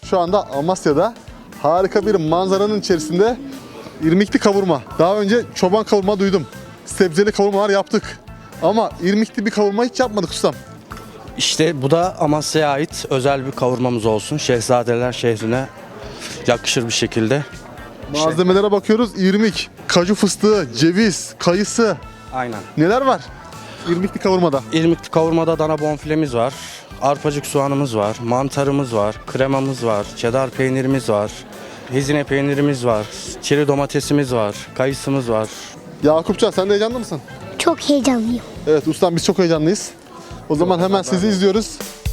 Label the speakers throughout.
Speaker 1: Şu anda Amasya'da harika bir manzaranın içerisinde irmikli kavurma. Daha önce çoban kavurma duydum. Sebzeli kavurmalar yaptık. Ama irmikli bir kavurma hiç yapmadık ustam.
Speaker 2: İşte bu da Amasya'ya ait özel bir kavurmamız olsun. Şehzadeler şehrine yakışır bir şekilde.
Speaker 1: Malzemelere bakıyoruz. İrmik, kaju fıstığı, ceviz, kayısı.
Speaker 2: Aynen.
Speaker 1: Neler var irmikli kavurmada?
Speaker 2: İrmikli kavurmada dana bonfilemiz var. Arpacık soğanımız var. Mantarımız var. Kremamız var. Çedar peynirimiz var. Hizine peynirimiz var. Çeri domatesimiz var. Kayısımız var.
Speaker 1: Yakupcan sen de heyecanlı mısın?
Speaker 3: Çok heyecanlıyım.
Speaker 1: Evet ustam biz çok heyecanlıyız. O zaman hemen sizi izliyoruz.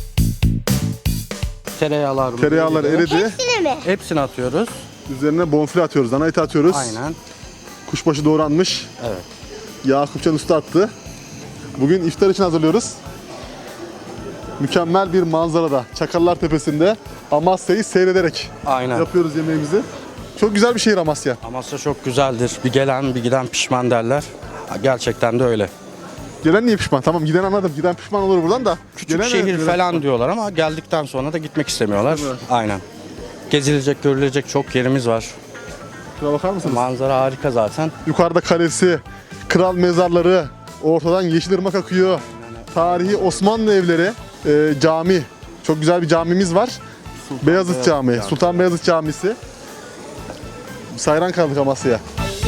Speaker 2: Tereyağlar
Speaker 1: eridi.
Speaker 3: Hepsine mi?
Speaker 2: Hepsini atıyoruz.
Speaker 1: Üzerine bonfile atıyoruz, dana eti atıyoruz.
Speaker 2: Aynen.
Speaker 1: Kuşbaşı doğranmış.
Speaker 2: Evet.
Speaker 1: Yakupcan usta attı. Bugün iftar için hazırlıyoruz. Mükemmel bir manzarada, Çakallar Tepesi'nde Amasya'yı seyrederek
Speaker 2: Aynen.
Speaker 1: yapıyoruz yemeğimizi. Çok güzel bir şehir Amasya.
Speaker 2: Amasya çok güzeldir. Bir gelen bir giden pişman derler. Gerçekten de öyle.
Speaker 1: Gelen niye pişman? Tamam giden anladım. Giden pişman olur buradan da.
Speaker 2: Küçük
Speaker 1: Gelen
Speaker 2: şehir
Speaker 1: evet,
Speaker 2: falan diyorlar ama geldikten sonra da gitmek istemiyorlar.
Speaker 1: Değil mi?
Speaker 2: Aynen. Gezilecek, görülecek çok yerimiz var.
Speaker 1: Şuna bakar mısınız?
Speaker 2: Manzara harika zaten.
Speaker 1: Yukarıda kalesi, kral mezarları, ortadan Yeşilırmak akıyor. Tarihi Osmanlı evleri, cami. Çok güzel bir camimiz var. Beyazıt Camii, Sultan Beyazıt Camisi. Sayran kaldık Amasya'ya.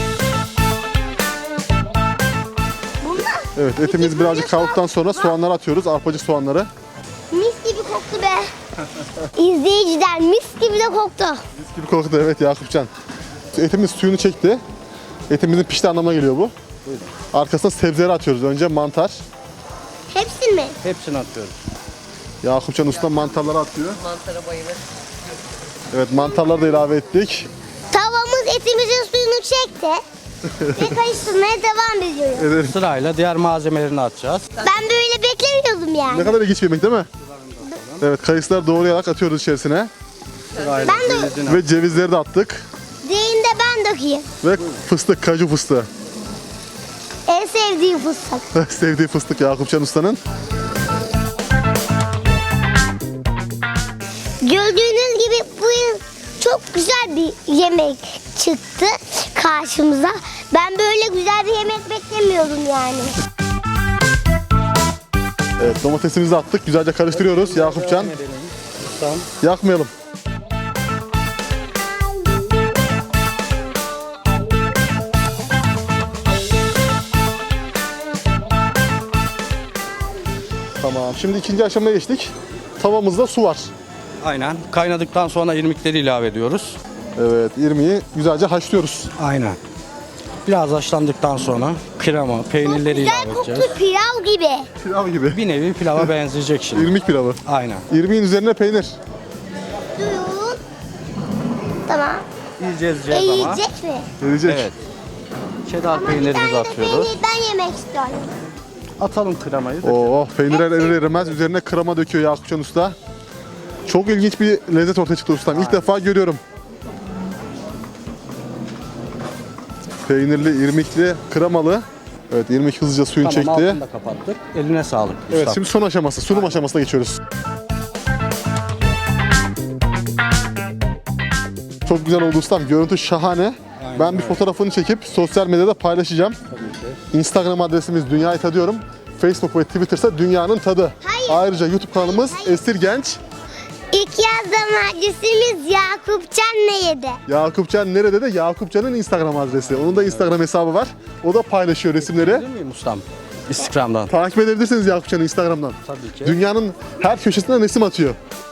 Speaker 1: Evet etimiz birazcık kavuktan sonra soğanları atıyoruz. Arpacık soğanları.
Speaker 3: Mis gibi koktu be. İzleyiciler mis gibi de koktu.
Speaker 1: Mis gibi koktu evet Yakupcan. Etimiz suyunu çekti. Etimizin pişti anlamına geliyor bu. Arkasına sebzeleri atıyoruz. Önce mantar.
Speaker 3: Hepsini mi?
Speaker 2: Hepsini atıyoruz.
Speaker 1: Yakupcan usta mantarları atıyor. Mantara bayılır. Evet mantarları da ilave ettik.
Speaker 3: Tavamız etimizin suyunu çekti. Ve karıştırmaya devam ediyoruz.
Speaker 1: Evet.
Speaker 2: Sırayla diğer malzemelerini atacağız.
Speaker 3: Ben böyle beklemiyordum
Speaker 1: Ne
Speaker 3: yani.
Speaker 1: kadar ilginç bir yemek değil mi? Evet kayısıları doğrayarak atıyoruz içerisine.
Speaker 2: Sırayla
Speaker 3: Ben de-
Speaker 2: cevizini
Speaker 1: Ve cevizleri de attık.
Speaker 3: Diğerini de ben dökeyim.
Speaker 1: Ve fıstık, kaju fıstığı.
Speaker 3: En sevdiğim fıstık.
Speaker 1: Sevdiği fıstık Yakupcan ustanın.
Speaker 3: Gördüğünüz gibi bu yıl çok güzel bir yemek çıktı karşımıza. Ben böyle güzel bir yemek beklemiyordum yani.
Speaker 1: Evet domatesimizi attık. Güzelce karıştırıyoruz Yakupcan.
Speaker 2: Tamam.
Speaker 1: Yakmayalım. Tamam. Şimdi ikinci aşamaya geçtik. Tavamızda su var.
Speaker 2: Aynen. Kaynadıktan sonra irmikleri ilave ediyoruz.
Speaker 1: Evet, irmiği güzelce haşlıyoruz.
Speaker 2: Aynen. Biraz haşlandıktan sonra krema, peynirleri
Speaker 3: Güzel
Speaker 2: ilave
Speaker 3: koktu
Speaker 2: edeceğiz.
Speaker 3: pilav gibi.
Speaker 1: Pilav gibi.
Speaker 2: Bir nevi pilava benzeyecek şimdi.
Speaker 1: İrmik pilavı.
Speaker 2: Aynen.
Speaker 1: İrmiğin üzerine peynir.
Speaker 3: Suyun. Tamam.
Speaker 2: İyice ezeceğiz ama.
Speaker 3: Yiyecek mi?
Speaker 1: Verecek.
Speaker 2: Evet. Çedar
Speaker 3: Ama bir
Speaker 2: peynirimizi
Speaker 3: tane de
Speaker 2: atıyoruz.
Speaker 3: peynir ben yemek istiyorum.
Speaker 2: Atalım kremayı.
Speaker 1: Oh, peynirler erir erimez üzerine krema döküyor Yakupcan usta. Çok ilginç bir lezzet ortaya çıktı ustam. İlk defa görüyorum. Peynirli, irmikli, kremalı. Evet, irmik hızlıca suyunu
Speaker 2: Tamam,
Speaker 1: çekti.
Speaker 2: altını da kapattık. Eline sağlık.
Speaker 1: Evet,
Speaker 2: ustam.
Speaker 1: şimdi son aşaması, sunum aşamasına geçiyoruz. Çok güzel oldu ustam. Görüntü şahane. Ben bir fotoğrafını çekip sosyal medyada paylaşacağım. Instagram adresimiz Dünyayı Tadıyorum. Facebook ve Twitter'sa Dünyanın Tadı.
Speaker 3: Hayır.
Speaker 1: Ayrıca YouTube kanalımız Esir Genç.
Speaker 3: İlk yazdığım adresimiz Yakupcan ne yedi?
Speaker 1: Yakupcan nerede de Yakupcan'ın Instagram adresi. Onun da Instagram hesabı var. O da paylaşıyor resimleri.
Speaker 2: Değil miyim ustam? Instagram'dan.
Speaker 1: Takip edebilirsiniz Yakupcan'ı Instagram'dan.
Speaker 2: Tabii ki.
Speaker 1: Dünyanın her köşesinden resim atıyor.